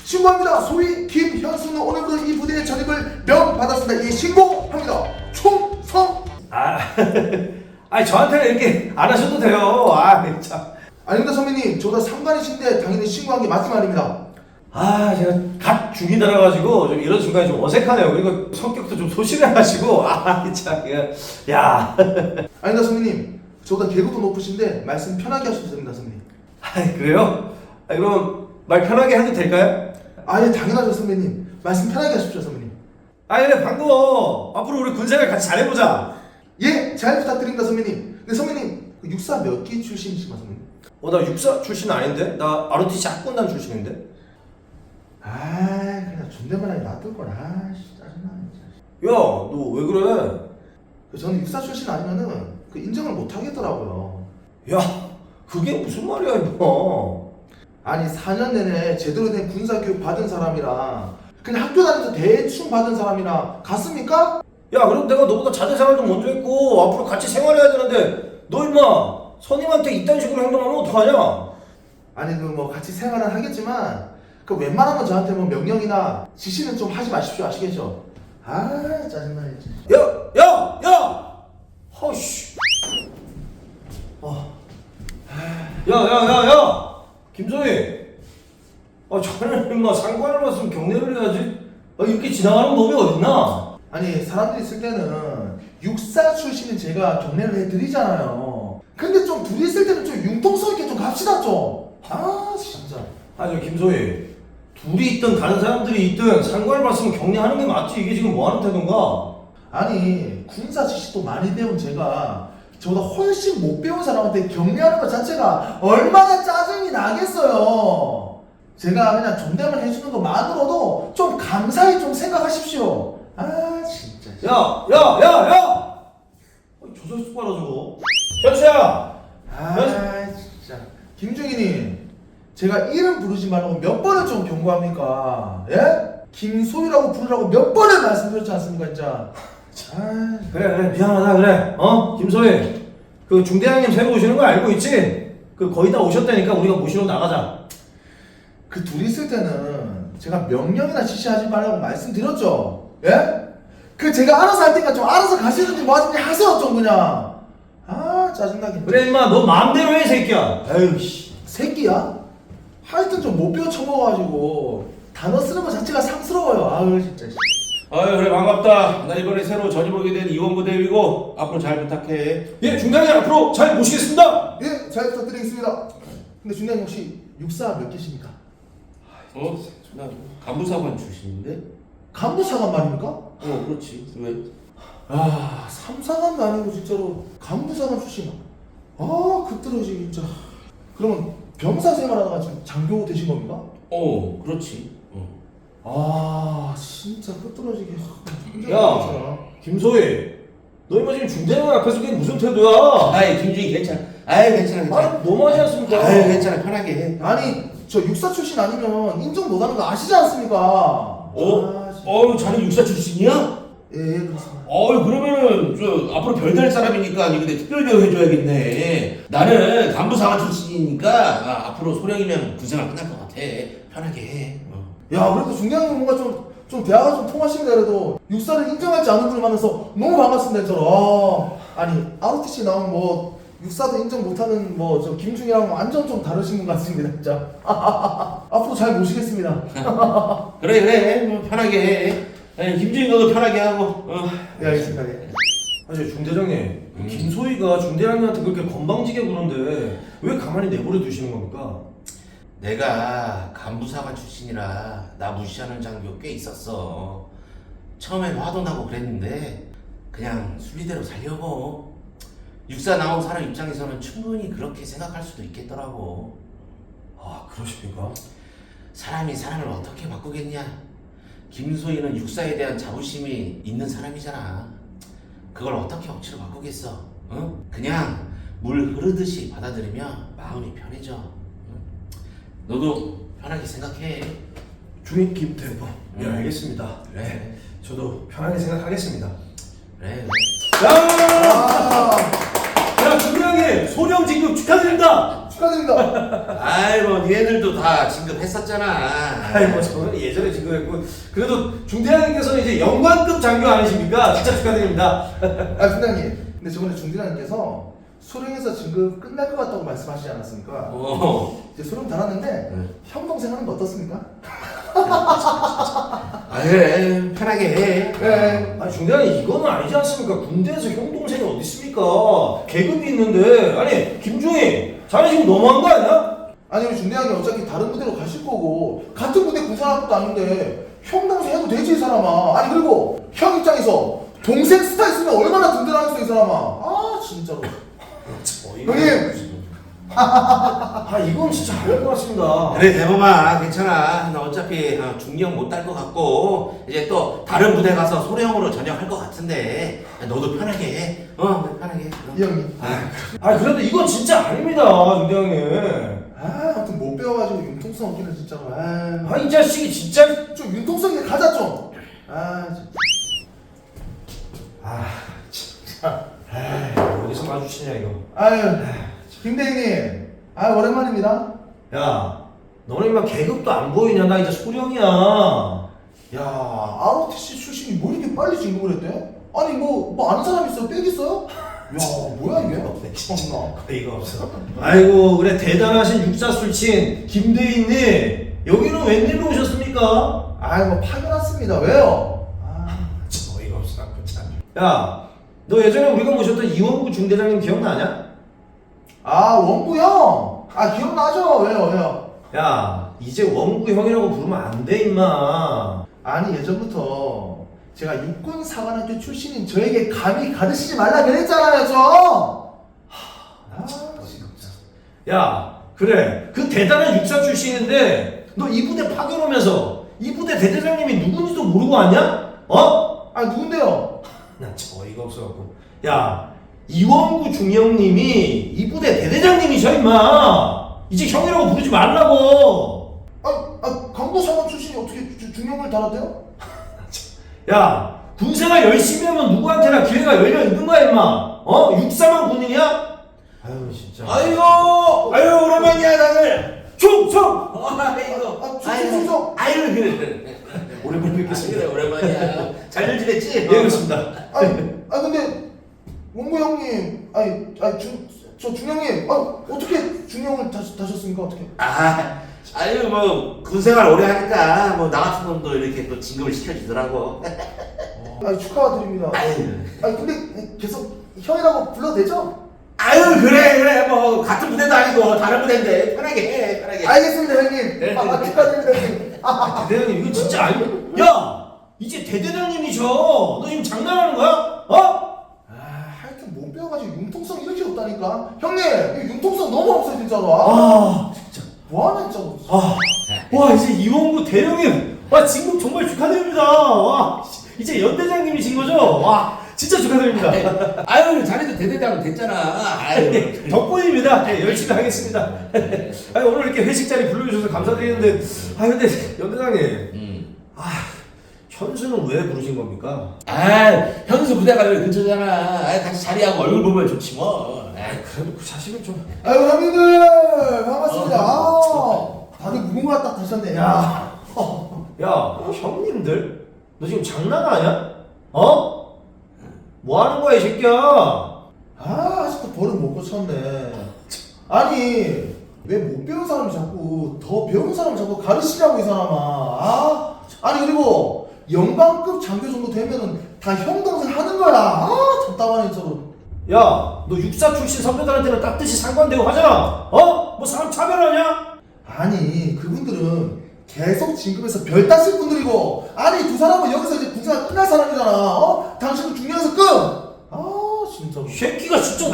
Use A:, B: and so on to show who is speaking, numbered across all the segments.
A: 신고합니다. 소위 김현수는 오늘부터 이 부대에 전입을 명받았습니다. 이 신고합니다. 충성.
B: 아니 저한테는 이렇게 안 하셔도 돼요. 참.
A: 아닙니다 선배님. 저보다 상관이신데 당연히 신고한 게 맞지 말입니다.
B: 제가 갓 중이 들어가지고 좀 이런 순간이 좀 어색하네요. 그리고 성격도 좀 소심해가지고 참, 야.
A: 아닙니다 선배님. 저보다 계급도 높으신데 말씀 편하게 하셔도 됩니다 선배님.
B: 그래요? 그럼 말 편하게 해도 될까요?
A: 예, 당연하죠 선배님. 말씀 편하게 하십시오 선배님.
B: 그래 반가워. 앞으로 우리 군생활 같이 잘해보자.
A: 예, 잘 부탁드립니다 선배님. 근데 선배님 그 육사 몇 기 출신이신가 선배님?
B: 나 육사 출신 아닌데? 나 ROTC 학군단 출신인데?
A: 그냥 존댓말하게 놔둘걸. 짜증나 진짜.
B: 야, 너 왜 그래?
A: 저는 육사 출신 아니면은 그 인정을 못 하겠더라고요.
B: 야, 그게 무슨 말이야 이거?
A: 아니 4년 내내 제대로 된 군사교육 받은 사람이랑 그냥 학교 다니면서 대충 받은 사람이랑 같습니까?
B: 야, 그럼 내가 너보다 자제생활도 먼저 했고 앞으로 같이 생활해야 되는데 너 임마 선임한테 이딴 식으로 행동하면 어떡하냐?
A: 아니 그 뭐 같이 생활은 하겠지만 그 웬만하면 저한테 뭐 명령이나 지시는 좀 하지 마십시오. 아시겠죠? 짜증나 진짜.
B: 야! 허씨. 야! 김소희. 저는 임마 상관을 봤으면 경례를 해야지. 이렇게 지나가는 법이 어딨나?
A: 아니 사람들이 있을 때는 육사 출신인 제가 경례를 해드리잖아요. 근데 좀 둘이 있을 때는 좀 융통성 있게 좀 갑시다 좀. 진짜.
B: 저 김소희. 둘이 있든 다른 사람들이 있든 상관을 봤으면 경례하는 게 맞지. 이게 지금 뭐 하는 태도인가?
A: 아니 군사 지식도 많이 배운 제가 저보다 훨씬 못 배운 사람한테 격려하는 것 자체가 얼마나 짜증이 나겠어요. 제가 그냥 존댓말 해주는 것만으로도 좀 감사히 좀 생각하십시오. 진짜.
B: 야! 저 자식 봐라 저거. 현수야!
A: 진짜. 김중희님, 제가 이름 부르지 말라고 몇 번을 좀 경고합니까? 예? 김소희라고 부르라고 몇 번을 말씀드렸지 않습니까, 진짜?
B: 그래 미안하다 그래. 김소희. 그 중대장님 새로 오시는 거 알고 있지? 그 거의 다 오셨다니까 우리가 모시러 나가자.
A: 그 둘이 있을 때는 제가 명령이나 지시하지 말라고 말씀드렸죠? 예? 그 제가 알아서 할 테니까 좀 알아서 가시든지 뭐 하든지 하세요 좀 그냥. 짜증나게.
B: 그래 임마 너 마음대로 해 새끼야. 에휴 씨.
A: 새끼야? 하여튼 좀 못 배워 쳐먹어가지고 단어 쓰는 것 자체가 상스러워요. 진짜.
C: 그래 반갑다. 나 이번에 새로 전입하게 된 이원부 대위고 앞으로 잘 부탁해.
B: 예 중대장님 앞으로 잘 모시겠습니다.
A: 예, 잘 부탁드리겠습니다. 근데 중대장님 혹시 육사 몇 개십니까?
C: 나 간부사관 출신인데?
A: 간부사관 말입니까?
C: 그렇지. 왜?
A: 삼사관도 아니고 진짜로 간부사관 출신. 그떨어지 진짜. 그러면 병사 생활하다가 지금 장교 되신 겁니까?
C: 그렇지.
A: 진짜 끝떨어지게.
B: 야 김소희. 너 임마 지금 중대장 앞에서 그게 무슨 태도야?
C: 김중희 괜찮아. 괜찮아.
B: 너무하지 않습니까?
C: 괜찮아. 편하게 해.
A: 아니 저 육사 출신 아니면 인정 못하는 거 아시지 않습니까?
C: 자네 육사 출신이야?
A: 예, 그렇습니다.
C: 그러면은 저 앞으로 별달 사람이니까 근데 특별 대우 해줘야겠네. 나는 간부사관 출신이니까 앞으로 소령이면 군생활 끝날 것 같아. 편하게 해.
A: 야, 그래도 중대장님 뭔가 좀 대화가 좀 통하십니다. 그래도 육사를 인정하지 않은 분 만나서 너무 반갑습니다. 저는. 아니 ROTC 나온 뭐 육사도 인정 못하는 뭐 저 김중이랑 완전 좀 다르신 것 같습니다. 진짜. 앞으로 잘 모시겠습니다.
C: 그래. 편하게 해. 김중희 너도 편하게 하고.
A: 네, 알겠습니다. 네.
B: 중대장님 김소희가 중대장님한테 그렇게 건방지게 구는데 왜 가만히 내버려 두시는 겁니까?
C: 내가 간부사관 출신이라 나 무시하는 장교 꽤 있었어. 처음엔 화도 나고 그랬는데 그냥 순리대로 살려고. 육사 나온 사람 입장에서는 충분히 그렇게 생각할 수도 있겠더라고.
B: 그러십니까?
C: 사람이 사람을 어떻게 바꾸겠냐. 김소희는 육사에 대한 자부심이 있는 사람이잖아. 그걸 어떻게 억지로 바꾸겠어. 그냥 물 흐르듯이 받아들이면 마음이 편해져. 너도 편하게 생각해.
B: 중인 김태범. 예 알겠습니다.
C: 그래.
B: 저도 편하게 생각하겠습니다.
C: 그래.
B: 야 중대장님 소령 진급 축하드립니다.
A: 축하드립니다.
C: 아이 뭐 니네들도 다 진급했었잖아.
B: 아이 뭐 저는 예전에 진급했고 그래도 중대장님께서는 이제 영관급 장교 아니십니까? 진짜 축하드립니다.
A: 아 중대장님, 근데 저번에 중대장님께서 수령에서 진급 끝날 것 같다고 말씀하시지 않았습니까? 이제 수령 달았는데 형 동생 하는 거 어떻습니까?
C: 아 그래 편하게 해.
A: 네.
B: 아니 중대장님 이거는 아니지 않습니까? 군대에서 형 동생이 어디 있습니까? 계급이 있는데 아니 김중희 자네 지금 너무한 거 아니야?
A: 아니 우리 중대장이 어차피 다른 부대로 가실 거고 같은 부대 군사할 것도 아닌데 형 동생 해도 되지 이 사람아. 아니 그리고 형 입장에서 동생 스타 있으면 얼마나 든든하겠어 이 사람아. 아 진짜로. 형님.
B: 아 이건 진짜 아닌 것 같습니다.
C: 그래 대범아 괜찮아. 나 어차피 중령 못 딸 것 같고 이제 또 다른 부대 가서 소령으로 전역할 것 같은데 너도 편하게 해. 편하게 해.
A: 이 형님.
B: 아 그래도 이건 진짜 아닙니다 중대장님.
A: 아 아무튼 못 배워가지고 융통성 없기는 진짜로.
B: 아 이 자식이 진짜.
A: 좀 융통성 있게 가자 좀. 아 진짜.
B: 아 진짜. 어디서 마주치냐 이거.
A: 아유 김대희님. 아 오랜만입니다.
B: 야 너는 임마 계급도 안 보이냐? 나 이제 소령이야.
A: 야 ROTC 출신이 뭐 이렇게 빨리 진급을 했대? 아니 뭐 아는 사람 있어요? 빽 있어요? 야 뭐야 이게? 참나.
B: 이거 없어. 아이고 그래 대단하신 육사 술친 김대인님 여기는 웬일로 오셨습니까?
A: 아이 뭐 파견 왔습니다. 왜요?
B: 어이가 없어 참. 야너 예전에 우리가 모셨던 이원구 중대장님 기억나냐?
A: 아 원구 형. 아 기억나죠? 왜요?
B: 야 이제 원구 형이라고 부르면 안 돼 임마.
A: 아니 예전부터 제가 육군 사관학교 출신인 저에게 감히 가르치지 말라 그랬잖아요 저.
B: 야 그래 그 대단한 육사 출신인데 너 이 부대 파견 오면서 이 부대 대대장님이 누군지도 모르고 왔냐? 어?
A: 아 누군데요?
B: 나 참 어이가 없어갖고. 야 이원구 중령님이 이 부대 대대장님이셔 임마. 이제 형이라고 부르지 말라고.
A: 강도 사관 출신이 어떻게 중령을 달았대요?
B: 야 군생활 열심히 하면 누구한테나 기회가 열려 있는 거야 임마. 어? 육사만 군인이야? 아유 진짜.
C: 아이고 오랜만이야 다들.
B: 충성.
C: 아이고
A: 충성.
C: 아유 그래.
B: 오랜만에 뵙겠습니다.
C: 그래 오랜만이야. 잘들 지냈지?
B: 예 그렇습니다.
A: 근데 원구 형님, 저 중령님, 어떻게 중령을 다셨습니까? 어떻게?
C: 아유 뭐 군생활 오래 하니까 뭐 나 같은 놈도 이렇게 또 진급을 시켜주더라고.
A: 축하드립니다. 근데 계속 형이라고 불러도 되죠?
C: 아유 그래 뭐 같은 부대도 아니고 다른 부대인데 편하게 해 편하게.
A: 알겠습니다 형님. 축하드립니다 형님.
B: 대대장님 이거 진짜 아니. 야 이제 대대장님이셔. 너 지금 장난하는 거야? 어?
A: 하여튼 못 배워가지고 융통성 이렇게 없다니까. 형님, 이 융통성 너무 없어요 진짜로.
B: 진짜.
A: 뭐하냐 진짜로.
B: 와 이제 이원구 대령님 와 진급 정말 축하드립니다. 와 이제 연대장님이신 거죠? 와 진짜 축하드립니다.
C: 아유 자네도 대대장 됐잖아. 아유
B: 덕분입니다. 네, 열심히 하겠습니다. 아니, 오늘 이렇게 회식 자리 불러주셔서 감사드리는데 근데 연대장님 현수는 왜 부르신 겁니까?
C: 현수 부대가 여기 근처잖아. 같이 자리하고 얼굴 보면 좋지 뭐.
B: 그래도 그 자식은 좀.
A: 아이고 형님들 반갑습니다. 다들 무궁화 딱 다셨네. 야.
B: 형님들? 너 지금 장난하냐? 어? 뭐 하는 거야 이 새끼야?
A: 아직도 버릇 못 고쳤네. 아니 왜 못 배운 사람이 자꾸 더 배운 사람 자꾸 가르치냐고 이 사람아. 아니 그리고 영광급 장교 정도 되면은 다 형 동생 하는 거야. 답답하네 저로.
B: 야, 너 육사 출신 선배들한테는 깍듯이 상관되고 하잖아. 어? 뭐 사람 차별하냐?
A: 아니 그분들은 계속 진급해서 별 따실 분들이고, 아니 두 사람은 여기서 이제 군사가 끝날 사람이잖아. 당신은 중요해서 끝. 진짜.
B: 이 새끼가 진짜.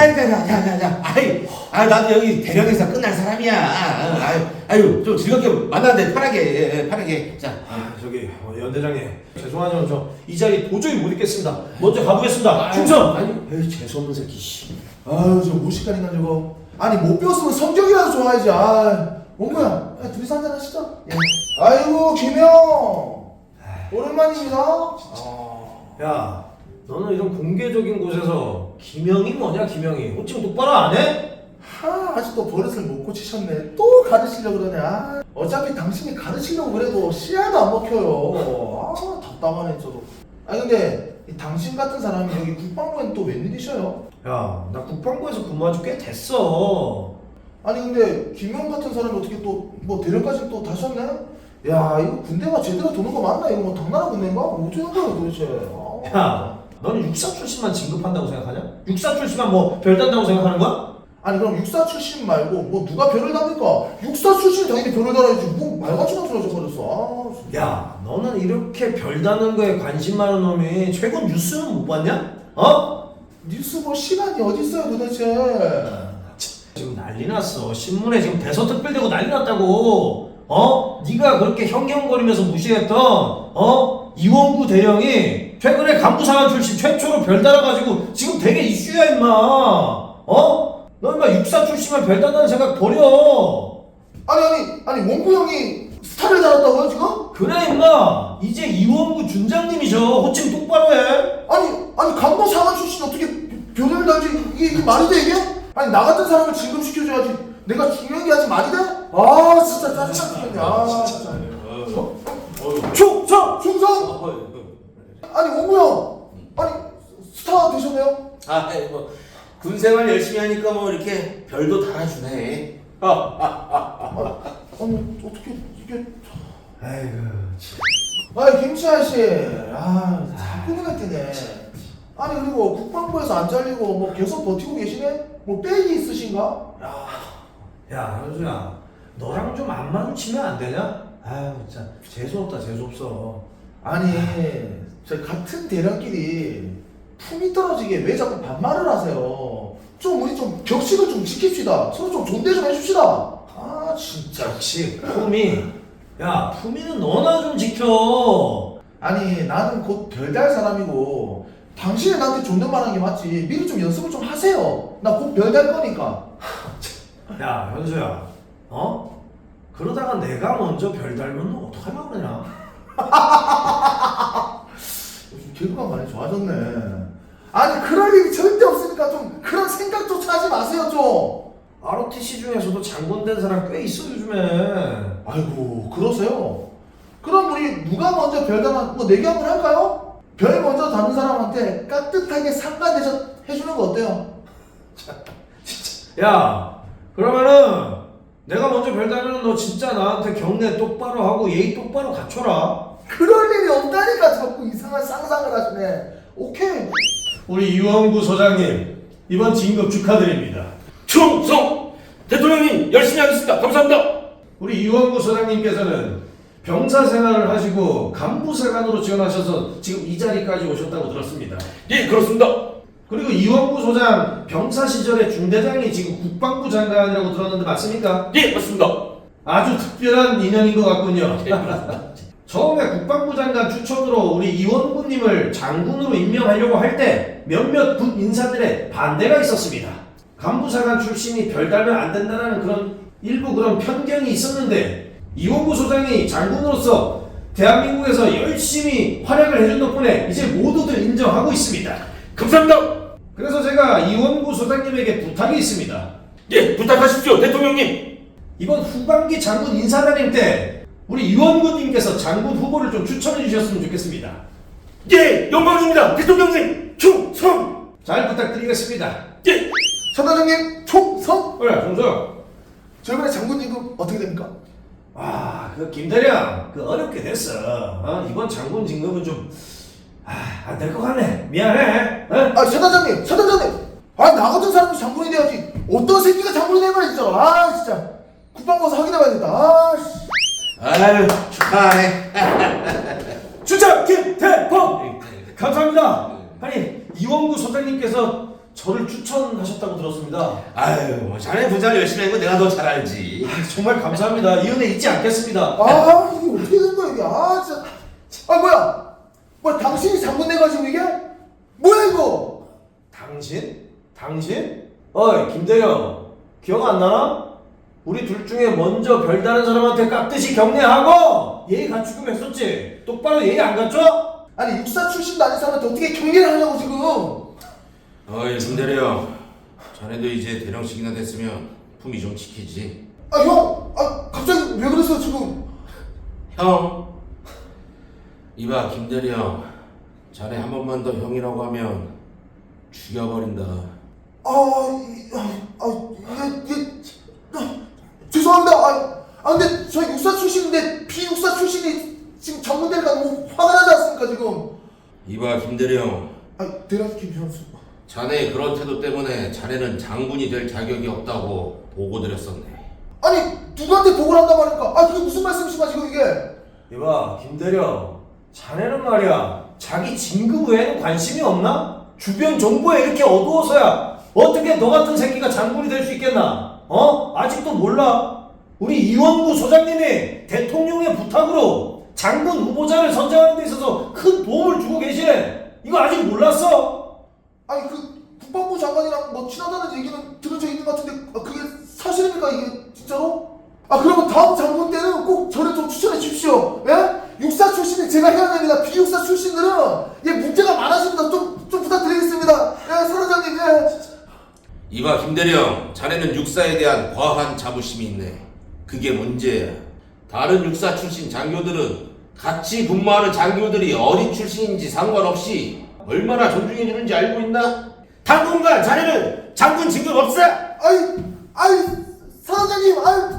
C: 나도 여기 대령에서 끝날 사람이야. 아유, 좀 즐겁게 만나는데 편하게. 자.
B: 저기 연대장님 죄송하지만 저 이 자리 도저히 못 있겠습니다. 먼저 가보겠습니다. 충성. 에이 재수없는 새끼. 씨.
A: 저 무식한 인간 저거. 아니 못 배웠으면 성격이라도 좋아야지. 뭔가야? 둘이서 한잔 하시죠. 예. 아이고 김영. 오랜만입니다.
B: 야, 너는 이런 공개적인 곳에서 김영이 뭐냐 김영이? 어찌 똑바로 안 해?
A: 아직도 버릇을 못 고치셨네. 또 가르치려고 그러네. 어차피 당신이 가르치려고 그래도 씨알도 안 먹혀요. 답답하네 저도. 근데 이 당신 같은 사람이 여기 국방부엔 또 웬일이셔요?
B: 야, 나 국방부에서 근무한 지 꽤 됐어.
A: 근데 김영 같은 사람이 어떻게 또 뭐 대령까지 또 다셨네? 야, 이거 군대가 제대로 도는 거 맞나? 이거 뭐 당나라 군대인가? 어쩌는 거야 도대체?
B: 야, 너는 육사 출신만 진급한다고 생각하냐? 육사 출신만 뭐 별단다고 생각하는 거야?
A: 그럼 육사 출신 말고 뭐 누가 별을 답니까? 육사 출신이 당연히 별을 달아야지. 뭐 말같이 나서져 버렸어.
B: 야, 너는 이렇게 별다는 거에 관심 많은 놈이 최근 뉴스는 못 봤냐? 어?
A: 뉴스 볼 시간이 어딨어요 도대체?
B: 지금 난리 났어. 신문에 지금 대서특필되고 난리 났다고. 네가 그렇게 형경거리면서 무시했던 이원구 대령이 최근에 간부사관 출신 최초로 별 달아가지고 지금 되게 이슈야 임마. 너 임마 육사 출신만 별 달다는 생각 버려.
A: 아니 원구 형이 스타를 달았다고요 지금?
B: 그래 임마. 이제 이원구 준장님이셔. 호칭 똑바로 해.
A: 아니 간부 사관 출신이 어떻게 별을 달지? 이게 말이 돼 이게? 나 같은 사람을 진급시켜줘야지. 내가 중요한 게 아직 말이 돼? 진짜 짜증나 죽겠네. 진짜. 충성! 원구 형! 스타 되셨네요?
C: 뭐 군생활 열심히 하니까 뭐 이렇게 별도 달아주네.
A: 어떻게 이게...
B: 아이고.
A: 김치 아저씨, 자꾸 눈에 띄네. 그리고 국방부에서 안 잘리고 뭐 계속 버티고 계시네? 뭐 백이 있으신가?
B: 야, 현수야, 너랑 좀 안 마주치면 안 되냐? 아유, 진짜 재수없다, 재수없어.
A: 저 같은 대령끼리 품이 떨어지게 왜 자꾸 반말을 하세요? 우리 좀 격식을 좀 지킵시다. 서로 좀 존대 좀 해줍시다. 진짜.
B: 역시 품이. 야, 품이는 너나 좀 지켜.
A: 나는 곧 별달 사람이고 당신이 나한테 존댓말하는 게 맞지. 미리 좀 연습을 좀 하세요. 나 곧 별달 거니까.
B: 야, 현수야, 그러다가 내가 먼저 별 달면 너 어떡하려고 그러냐?
A: 요즘 개그가 많이 좋아졌네. 그럴 일이 절대 없으니까 좀 그런 생각조차 하지 마세요 좀.
B: ROTC 중에서도 장군 된 사람 꽤 있어 요즘에.
A: 아이고 그러세요? 그럼 우리 누가 먼저 별단 뭐 내기 한번 할까요? 별 먼저 다는 사람한테 깍듯하게 상관 대접 해주는 거 어때요?
B: 야, 그러면은 내가 먼저 별 달면 너 진짜 나한테 경례 똑바로 하고 예의 똑바로 갖춰라.
A: 그럴 일이 없다니까 자꾸 이상한 상상을 하시네. 오케이.
B: 우리 이원구 소장님 이번 진급 축하드립니다.
D: 충성! 대통령님 열심히 하겠습니다. 감사합니다.
B: 우리 이원구 소장님께서는 병사 생활을 하시고 간부사관으로 지원하셔서 지금 이 자리까지 오셨다고 들었습니다.
D: 예, 그렇습니다.
B: 그리고 이원구 소장 병사 시절에 중대장이 지금 국방부 장관이라고 들었는데 맞습니까?
D: 예, 맞습니다.
B: 아주 특별한 인연인 것 같군요. 처음에 국방부 장관 추천으로 우리 이원구님을 장군으로 임명하려고 할 때 몇몇 군 인사들의 반대가 있었습니다. 간부사관 출신이 별 달면 안 된다는 그런 편견이 있었는데 이원구 소장이 장군으로서 대한민국에서 열심히 활약을 해준 덕분에 이제 모두들 인정하고 있습니다.
D: 감사합니다.
B: 그래서 제가 이원구 소장님에게 부탁이 있습니다.
D: 예, 부탁하십시오, 대통령님.
B: 이번 후반기 장군 인사단임 때 우리 이원구님께서 장군 후보를 좀 추천해 주셨으면 좋겠습니다.
D: 예, 영광입니다, 대통령님. 충성!
B: 잘 부탁드리겠습니다.
D: 예.
A: 천단장님 총성.
B: 그래, 종석.
A: 저 이번에 장군 진급 어떻게 됩니까?
B: 그 김대령, 어렵게 됐어. 이번 장군 진급은 좀, 안 될 것 같네. 미안해.
A: 천단장님. 나 같은 사람이 장군이 돼야지. 어떤 새끼가 장군이 되는 거야 진짜. 진짜. 국방부 가서 확인해봐야겠다.
C: 아유, 축하하네.
B: 주장 김대범! 감사합니다. 이원구 소장님께서 저를 추천하셨다고 들었습니다.
C: 아유, 뭐 자네 분장 열심히 한 거 내가 더 잘 알지.
B: 정말 감사합니다. 이 은혜 잊지 않겠습니다.
A: 이게 어떻게 된 거야 이게. 진짜. 뭐야 당신이 장군 돼가지고 이게? 뭐야 이거?
B: 당신? 어이, 김대령. 기억 안 나나? 우리 둘 중에 먼저 별 다른 사람한테 깍듯이 경례하고 예의 갖추기로 했었지. 똑바로 예의 안 갖춰?
A: 육사 출신도 아닌 사람한테 어떻게 경계를 하냐고 지금.
C: 김대령, 자네도 이제 대령씩이나 됐으면 품위 좀 지키지.
A: 아, 형! 아, 갑자기 왜 그랬어요, 지금?
C: 형, 이봐 김대령, 자네 한 번만 더 형이라고 하면 죽여버린다.
A: 죄송합니다. 근데 저 육사 출신인데 비육사 출신이 지금 전문대리가 너무 화가 나지 않습니까, 지금?
C: 이봐 김대령,
A: 대략 김현수.
C: 자네의 그런 태도 때문에 자네는 장군이 될 자격이 없다고 보고 드렸었네.
A: 아니, 누구한테 보고를 한단 말입니까? 그게 무슨 말씀이신가, 지금 이게?
B: 이봐 김대령, 자네는 말이야 자기 진급 외에는 관심이 없나? 주변 정보에 이렇게 어두워서야 어떻게 너 같은 새끼가 장군이 될 수 있겠나? 아직도 몰라? 우리 이원구 소장님이 대통령의 부탁으로 장군 후보자를 선정하는 데 있어서 큰 도움을 주고 계시네. 이거 아직 몰랐어?
A: 아니, 국방부 장관이랑 뭐 친하다는 얘기는 들은 적 있는 것 같은데, 그게 사실입니까, 이게 진짜로? 그러면 다음 장군 때는 꼭 저를 좀 추천해 주십시오. 예? 육사 출신이 제가 해야 됩니다. 비육사 출신들은 문제가 많아집니다. 좀 부탁드리겠습니다. 사단장님.
C: 이봐 김대령, 자네는 육사에 대한 과한 자부심이 있네. 그게 문제야. 다른 육사 출신 장교들은 같이 근무하는 장교들이 어디 출신인지 상관없이 얼마나 존중해주는지 알고 있나?
D: 당분간 자네는 장군 진급 없어.
A: 사단장님.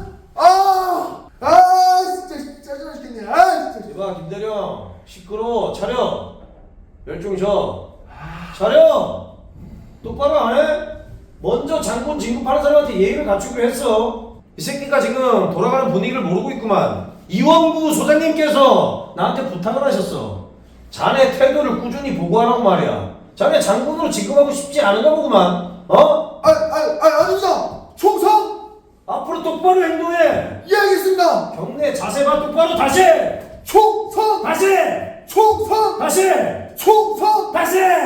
A: 진짜 짜증나 죽겠네. 진짜.
B: 이봐 김대령, 시끄러워. 차려. 멸종 셔. 차려. 똑바로 안 해? 먼저 장군 진급하는 사람한테 예의를 갖추기로 했어. 이 새끼가 지금 돌아가는 분위기를 모르고 있구만. 이원구 소장님께서 나한테 부탁을 하셨어. 자네 태도를 꾸준히 보고하라고 말이야. 자네 장군으로 진급하고 싶지 않은가 보구만.
A: 아닙니다. 총성.
B: 앞으로 똑바로 행동해.
A: 예, 알겠습니다.
B: 경례 자세 봐. 똑바로 다시.
A: 총성.
B: 다시.